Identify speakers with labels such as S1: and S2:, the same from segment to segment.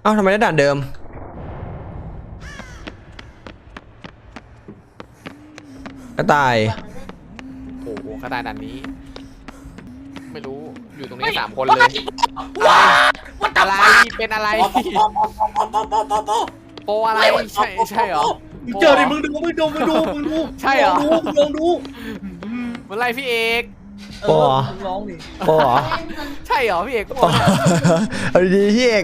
S1: เอ้าทำไมได้ด่านเดิมกระต่าย
S2: โอ้โหกระต่ายด่านนี้ไม่รู้อยู่ตรงนี้3 คนเลยอะไรเป็นอะไรโปอะไรใช่เหรอ
S3: เจอดิมึงดู
S2: ใช่เหรอ
S3: มึงลองดู
S2: เมื่อไรพี่เอก
S1: โป
S3: ร้องดิ
S1: โป
S2: ใช่เหรอพี่เอกโป
S1: เอาดีๆพี่เอก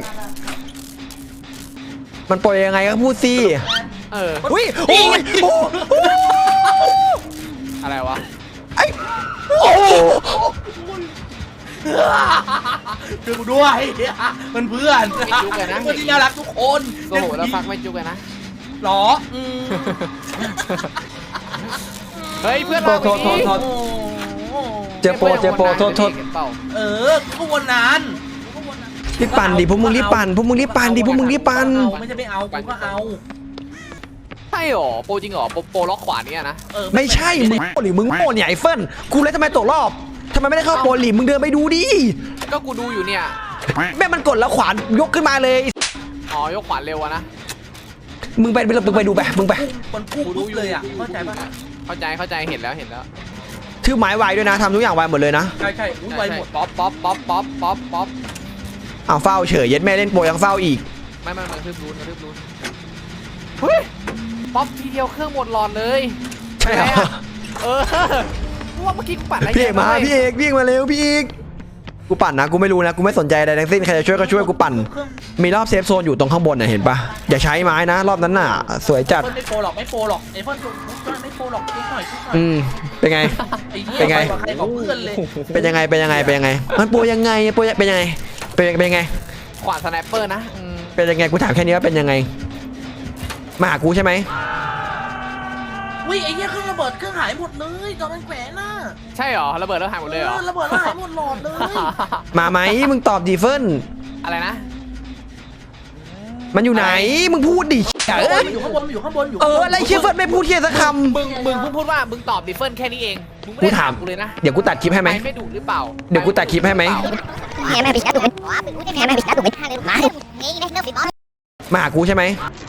S1: มันโปรยังไงก็พูดสิอุ้ยโอ้ย
S2: อะไรวะ
S1: ไอ้โอ้
S3: คือกูด้วยมันเพื่อน
S2: จุกเลยนะ
S3: เพื่อนที่น่ารักทุกคน
S2: โอ้โหแล้วฟักไม่จุกเลยนะ
S3: หรอ
S2: เฮ้ยเพื่อนเราไปดิ
S1: เจอโปโทษ
S3: ก็วันนั้น
S1: รีบปั่นดิพวกมึงรีบปั่นดิพวกมึงรีบปั่น
S3: ไม่ใช่ไม่เอากูก็เอา
S2: ใช่หรอโปจริงหรอโปล็อกขวาเนี่ยนะ
S1: ไม่ใช่มึงหรือมึงโง่เนี่ยไอ้เฟิร์นกูเลยทำไมตกรอบทำไมไม่ได้เข้าโปรลีมึงเดินไปดูดิ
S2: ก็กูดูอยู่เนี่ย
S1: แม่มันกดแล้วขวานยกขึ้นมาเลย
S2: อ๋อยกขวานเร็วนะ
S1: มึงไปดูไปมึงไป
S3: มันพุ่งเลยอ่ะเข้าใจปะ
S2: เข้าใจเห็นแล้ว
S1: ถือไม้ไวด้วยนะทำทุกอย่างไวหมดเลยนะ
S3: ใช่ไวหมด
S2: ป๊อป
S1: อ้าวเฝ้าเฉยเย็ดแม่เล่นโปรยังเฝ้าอีก
S2: ไม่ทึบรูนเฮ้ยป๊อปทีเดียวเครื่องหมดหลอดเลย
S1: ใช่เหรอ
S2: ว่าเมื่อกี้กูปั่นอะไร
S1: พี่เอกมาพี่เอกวิ่งมาเร็วพี่เอกกูปั่นนะกูไม่รู้นะกูไม่สนใจอะไรทั้งสิ้นใครจะช่วยก็ช่วยกูปั่นมีรอบเซฟโซนอยู่ตรงข้างบนน่ะเห็นปะอย่าใช้ไม้นะรอบนั้นน่ะสวยจัด
S3: ไม่โฟหรอกไอ้เฟิร์นไม่โฟหรอกชุบหน่อย
S1: เป็นไงเป็นไงเป็นยังไงมันโปรยังไงเป็นยังไงเป็นยังไง
S2: ขวานสไนเปอร์นะ
S1: เป็นยังไงกูถามแค่นี้ว่าเป็นยังไงมาหากูใช่ไหม
S3: วิไอ้เหี้ยเครื่องระเบิดเครื่องหายหมดเลยตอนมันแขวนน่ะ
S2: ใช่หรอระเบิดแล้วหายหมดเลยเหรอ
S3: ระเบิดแล้วหายหมดหลอดเลย
S1: มาไหมมึงตอบดีเฟิร์น
S2: อะไรนะ
S1: มันอยู่ไหนมึงพูดดิ
S3: อยู่ข้างบน
S1: อะไรเชี่ยเฟิร์นไม่พูดเชี่ยสักค
S2: ำมึงเพิ่งพูดว่ามึงตอบดิเฟิร์นแค่นี้เอง
S1: กูถามกู
S2: เลยนะ
S1: เดี๋ยวกูตัดคลิปให้ไหม
S2: ไม่ดูหรือเปล่า
S1: เดี๋ยวกูตัดคลิปให้ไหมมาหากูใช่ไหม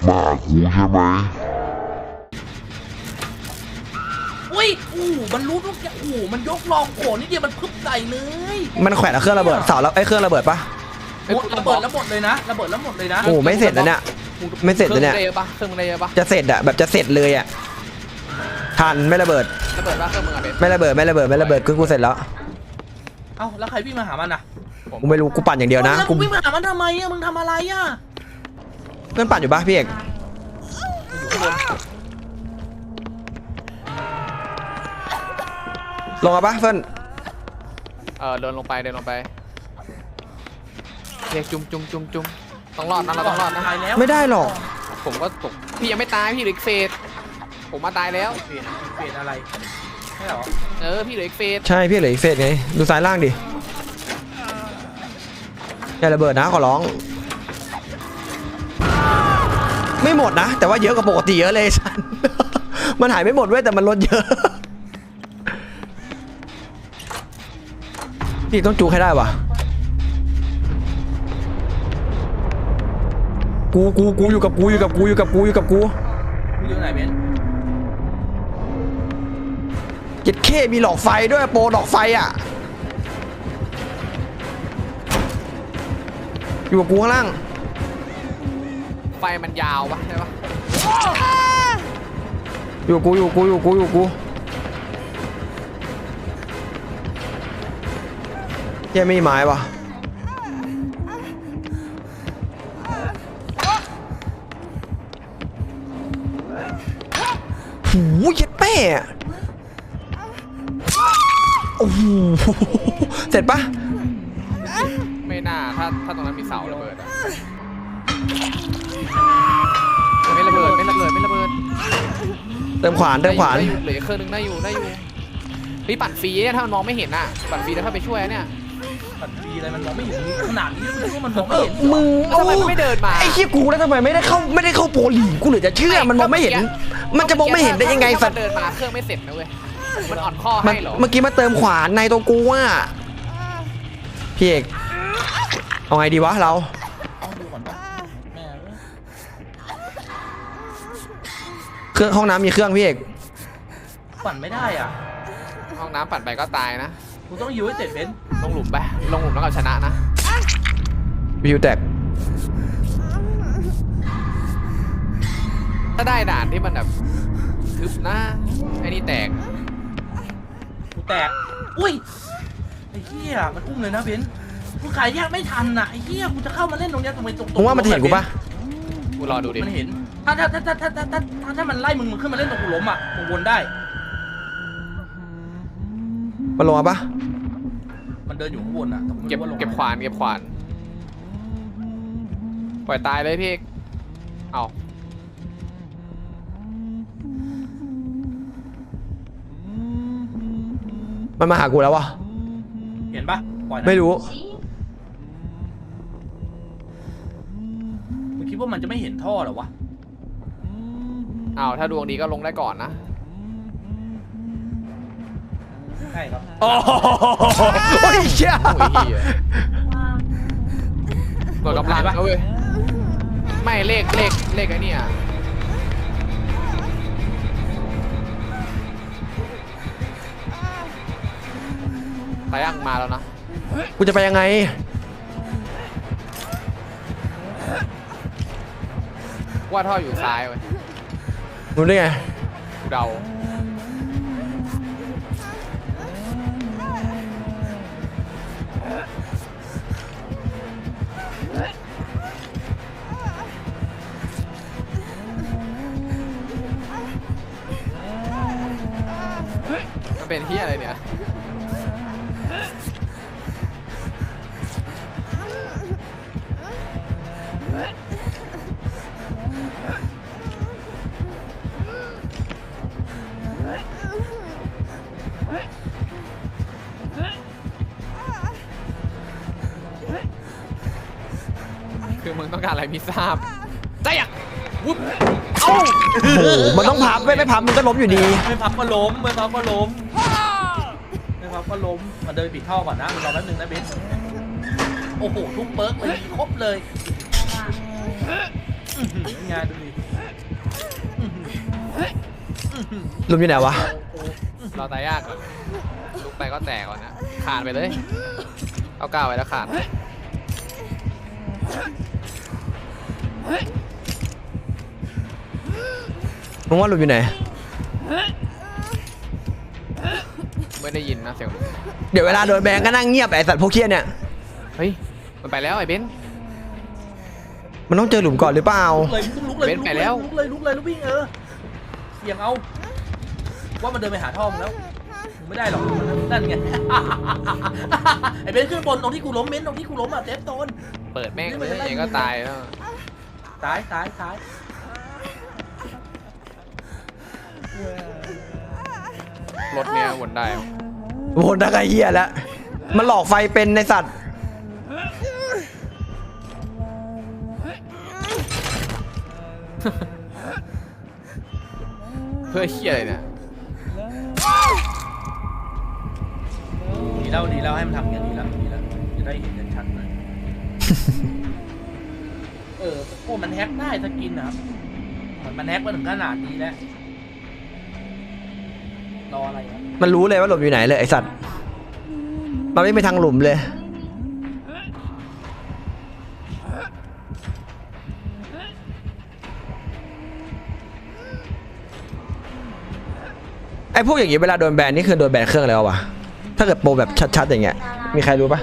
S3: อุ้ยมันรู้ทุกอย่างมันยกลองโขนนี่เดียวมันพึบใส่เลย
S1: มันแขวนเครื่องระเบิดเสาแล้วไอ้เครื่องระเบิดปะ
S3: ระเบิดแล้วหมดเลยนะ
S1: โอ้ไม่เสร็จแล้วเนี่ยไม่เสร็จแล้วเนี่ย
S2: เครื่องมึงได้เยอะปะ
S1: จะเสร็จอะแบบจะเสร็จเลยอะทันไม่ระเบิด
S2: ปะเครื่องมึงอะ
S1: ไม่ระเบิดกูเสร็จแล้ว
S3: เอ้าแล้วใครวิ่งมาหามันอะ
S1: กูไม่รู้กูปั่นอย่างเดียวนะ
S3: กูวิ่งมาหามันทำไมอะมึงทำอะไรอะ
S1: เพื่อนปั่นอยู่ปะพี่เอกลงมาปะเฟิร์น
S2: เดินลงไปเรียกจุ่มต้องรอดนะเราต้องรอดนะ
S1: ไม่ได้หรอก
S2: ผมก็ตกพี่ยังไม่ตายพี่เหลืออีกเฟสผมมาตายแล้ว
S3: เฟสอะไรใช่หร
S2: อพี่เหลืออีกเฟส
S1: ใช่พี่เหลืออีกเฟสไงดูซ้ายล่างดิอย่าระเบิดนะขอร้องไม่หมดนะแต่ว่าเยอะกว่าปกติเยอะเลยฉันมันหายไม่หมดเว้ยแต่มันลดเยอะพี่ต้องจูให้ได้วะกูอยู่กับกูอยู่ไหนเบนเจ็ดเคมีหลอกไฟด้วยโปรหลอกไฟอ่ะอยู่กับกูข้างล่าง
S2: ไฟมันยาวปะใช่ปะ
S1: อยู่กูแค่ไม่มีไม้วะหูเย็ดแป้โอ้โหเสร็จปะ
S2: ไม่น่าถ้าตรงนั้นมีเสาระเบิดไม่ระเบิด
S1: เติมขวาน
S2: เหลือเครื่องนึงได้อยู่พี่ปั่นฟรีเนี่ยถ้ามันมองไม่เห็นอ่ะปั่นฟรีแล้วถ้าไปช่วยเนี่ย
S3: ปั่นฟรีอะไรมันมองไม่เห็นขนาดนี้มันมองไม่เห็น
S1: มึง
S2: ทำไมไม่เดินมา
S1: ไอ้เหี้ยกูแล้วทำไมไม่ได้เข้าโปรลีกูเหลือจะเชื่อมันมองไม่เห็นมันจะมองไม่เห็นได้ยังไงสัตว์
S2: เดินมาเครื่องไม่เสร็จนะเว้ยมันอ่อนข้อให้เหรอ
S1: เมื่อกี้มาเติมขวานในตัวกูว่าพี่เอกเอาไงดีวะเราเครื่องห้องน้ำมีเครื่องพี่เอก
S3: ปั่นไม่ได้อ่ะ
S2: ห้องน้ำปั่นไปก็ตายนะ
S3: กูต้องยิวให้เสร็จเบนซ์
S2: ลงหลุมไปลงหลุมแล้วกับชนะนะ
S1: วิวแตก
S2: ถ้าได้ด่านที่มันแบบทึบนะไอ้นี่แตก
S3: กูแตกอุ้ยไอ้เหี้ยมันอุ้มเลยนะเบนซ์กูขายแยกไม่ทันน่ะไอ้เหี้ยกูจะเข้ามาเล่นตรงเนี้ยทำไมตรง
S1: มึงว่ามันเห็นกูปะ
S2: กูรอดูดิ
S3: มันเห็นถ้ามันไล่มึงขึ้นมาเล่นตรงกูล้มอ่ะมึงวนได้
S1: มันลงมาปะ
S3: มันเดินอยู่ข้างบนอ่ะแต่กูไม่
S2: เก็บ
S3: รู้ว่าลง
S2: เก็บขวานเก็บขวานปล่อยตายเลยพี่เอกเอา
S1: มันมาหากูแล้ววะ
S3: เห็นปะปล่อยนะ
S1: ไม่รู้
S3: มึงคิดว่ามันจะไม่เห็นท่อเหรอวะ
S2: เอาถ้าดวงดีก็ลงได้ก่อนนะ
S3: ใช่ครับ
S1: โอ้ยเชี่ย
S2: โอ้ยเหี้ยหน่วยกำลังเขาเว้ยไม่เลขไอ้นี่ตายั่งมาแล้วนะ
S1: กูจะไปยังไง
S2: ว่าท่ออยู่ซ้ายเว้ย
S1: รู้ได้ไง
S2: กูเดามันเป็นที่อะไรเนี่ย คือมึงต้องการอะไรไม่ทราบใจอ่ะวุ๊บเอ้า
S1: โอ้โห มันต้องพับไม่พับมันก็ล้มอยู่ดี
S3: ไม่พับก็ล้มไม่พับก็ล้มมันเดินปิดท่อก่อนนะมันรอแป๊บนึงนะเบนซ์โอ้โหทุกเปิร์กเลยครบเลยงานดูดิ
S1: ล้มอยู่ไหนวะ
S2: เราตายยากก่อนลุกไปก็แตกก่อนนะขาดไปเลยเอาก้าวไว้แล้วขาด
S1: มึงว่าหลุมอยู่ไหน
S2: ไม่ได้ยินนะเสียง
S1: เดี๋ยวเวลาโดนแบงก็นั่งเงียบไอสัตว์พวกเคี้ยเนี่ย
S2: เฮ้ยมันไปแล้วไอ้เบนซ์
S1: มันต้องเจอหลุมก่อนหรือเปล่า
S3: ลุกเลย
S2: เบนซ์ไปแล้ว
S3: ลุกเลยลุกวิ่งเสียงเอาว่ามันเดินไปหาท่อมงแล้วมึงไม่ได้หรอกนั่นไง ไอ้เบนซ์ขึ้นบนตรงที่กูล้มเบนซ์ตรงที่กูล้มอ่ะเซฟโซน
S2: เปิดแม่งเลยเองก็ตายแล้ว
S3: ตาย
S2: รถเนี้ยวนได้
S1: โหดนักไอ้เหี้ยแล้ว มันหลอกไฟเป็นในสัตว์
S2: เพื่อเฮียอะไรเนี่ย
S3: ดีแล้วให้มันทำอย่างนี้ดีแล้วจะได้เห็นกันชัดหน่อยพวกมันแฮกได้สกินนะครับมันแฮกมาถึงขนาดนี้แล้วรออะไรครับ
S1: มันรู้เลยว่าหลุมอยู่ไหนเลยไอสัตว์ มันไม่ไปทางหลุมเลย ไอพวกอย่างงี้เวลาโดนแบนนี่คือโดนแบนเครื่องแล้ววะ ถ้าเกิดโปรแบบชัดๆอย่างเงี้ย มีใครรู้ปะ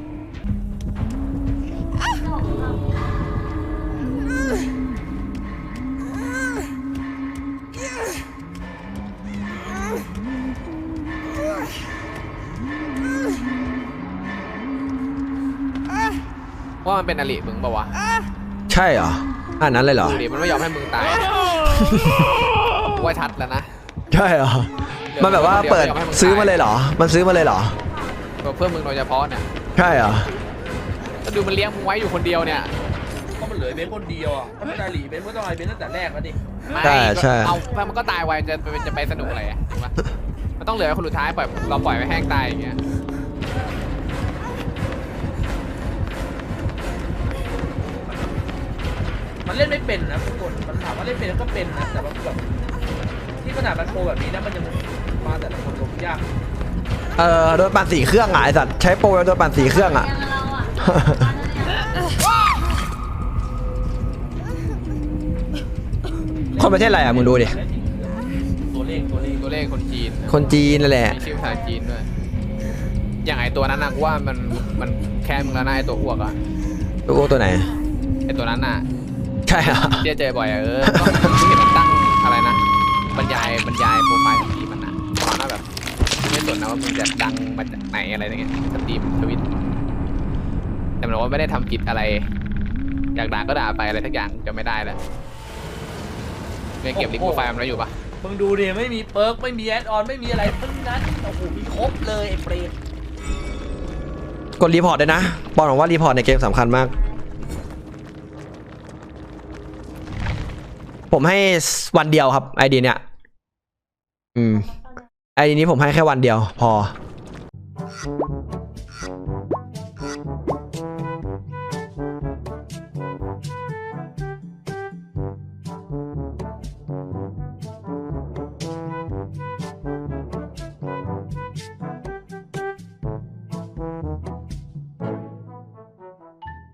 S2: ว่ามันเป็นอลิมึงเปล่าวะ
S1: ใช่เหรออันนั้นเลยเหรอ
S2: ดูดิมันไม่ยอมให้มึงตายว่าชัดแล้วนะ
S1: ใช่เหรอ มันแบบว่าเปิดซื้อมาเลยเหรอ มันซื้อมาเลยเหรอ
S2: เพื่อมึงโดยเฉพาะเนี่ย
S1: ใช่เหรอ
S2: ถ้าดูมันเลี้ยงมึงไว้อยู่คนเดียวเนี่ย
S3: ก็มันเหลือเบนซ์คนเดียวอ่ะถ้าเป็นอาลีเบนซ์ก็ต้องเอาเบนซ์ตั้งแต่แรกแล้วดิ
S2: ไม่
S1: ใช่ใช่
S2: เอาถ้ามันก็ตายไวจะไปสนุกอะไรอ่ะถูกปะมันต้องเหลือคนสุดท้ายปล่อยเราปล่อยไว้แห้งตายอย่างเงี้ย
S3: มันเล่นไม่เป็นนะทุกคนมันถามว่าเล่นเป็นก็เป็นนะแต่ว่าแบบขนาดมันโปรแบบนี้นะมันยังมาแต่ละคนลงยาก
S1: โดนปั่น4 เครื่องอ่ะไอสัตว์ใช้โปรโดนปั่น4 เครื่องอ่ะ คนประเทศอะไรอ่ะมึงดูดิ
S3: ตัวเลข
S2: ตัวเลขคนจีน
S1: คนจีนนั่นแหละ
S2: มีชื่อภาษาจีนด้วยอย่างไอตัวนั้นนะกูว่ามันแค่มึงแล้วนะไอตัวอ้วกอะ
S1: ตัวไหน
S2: ไอตัวนั้นน่ะ
S1: ใช่อ่ะ
S2: เจอบ่อยอะก็เห็นมันตั้งอะไรนะบรรยายโปรไฟล์ของทีมมันนะตอนนั้นแบบไม่สนนะว่ามึงจะดังมาจากไหนอะไรอย่างเงี้ยสตรีมทวิตแต่มันบอกว่าไม่ได้ทำผิดอะไร อยากด่าก็ด่าไปอะไรทักอย่างจะไม่ได้แล้วยังเก็บลิงก์โปรไฟล์มันไว้อยู่ปะ
S3: มึงดูดิไม่มีเปิร์กไม่มีแอดออนไม่มีอะไรทั้งนั้นโอ้โหมีครบเลยไอ้เปรต
S1: กดรีพอร์ตด้วยนะบอกหน่อยว่ารีพอร์ตในเกมสำคัญมาก ผมให้วันเดียวครับไอดีเนี่ยไอดีนี้ผมให้แค่วันเดียวพอ